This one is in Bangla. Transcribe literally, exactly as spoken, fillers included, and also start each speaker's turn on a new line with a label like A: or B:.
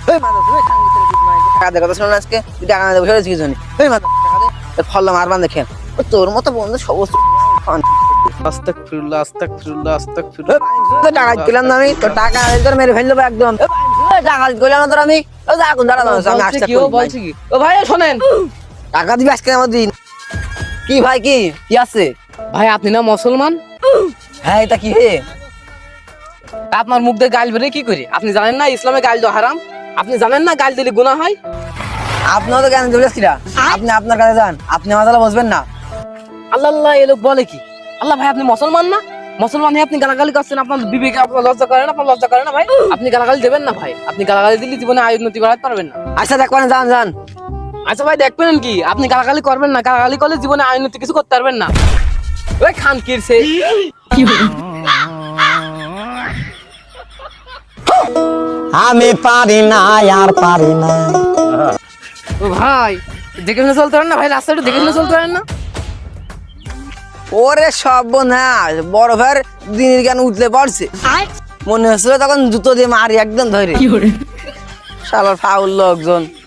A: ওই মাদক ওই খাঙ্গি ছেলে তুই মানে টাকা দে কথা শুনুন আজকে তুই টাকা না দেবো সেটা কিছু জানি ওই মাদক টাকা দে ফল্লা মারবান দেখেন ও তোর মতো বন্ধু সমস্ত
B: আস্তাগফিরুল্লাহ আস্তাগফিরুল্লাহ আস্তাগফিরুল্লাহ।
A: তো টাকা দিলাম না আমি তো টাকা তোর মেরে ফেল দেবো একদম ওই টাকা দিলাম না তোর আমি ও যা কোন দাঁড়া আমি
B: বলছে
A: আসতে
B: কি ও বলছে কি ও ভাই শোনেন
A: টাকা দিবি আজকে আমার দিন কি ভাই কি কি আছে
B: ভাই আপনি না মুসলমান
A: হ্যাঁ এটা কি হে
B: আপনার মুখ দিয়ে গাল বেরে কি করে আপনি জানেন না ইসলামে গাল দেওয়া হারাম আপনি জানেন না গাল দিলে গুনাহ হয়
A: আপনিও তো জ্ঞান দিবেন কিরা আপনি আপনার কাছে যান আপনি আমার তাহলে বসবেন না
B: আল্লাহ আল্লাহ এ লোক বলে কি আল্লাহ ভাই আপনি মুসলমান না মুসলমান হয়ে আপনি গালাগালি করছেন আপনার বিবেকে আপনার লজ্জা করে না আপনার লজ্জা করে না ভাই আপনি গালাগালি দেবেন না ভাই আপনি গালাগালি দিলে জীবনে আয় উন্নতি বাড়াতে পারবেন না
A: আচ্ছা দেখবেন যান যান
B: আচ্ছা ভাই দেখবেন কি আপনি গালাগালি করবেন না গালাগালি করলে জীবনে আয় উন্নতি কিছু করতে পারবেন না ওই খান কিরছে
C: আমি পারি না আর পারি না।
B: ও ভাই দেখে শুনে চলতে পারেন না ভাই রাস্তাটা দেখে শুনে চলতে পারেন না
A: ওরে সব না বড় ভাইয়ের দিনের জ্ঞান উঠলে পড়ছে মনে হচ্ছিল তখন জুতো দিয়ে মারি একদম ধরে শালার ফাউল লোকজন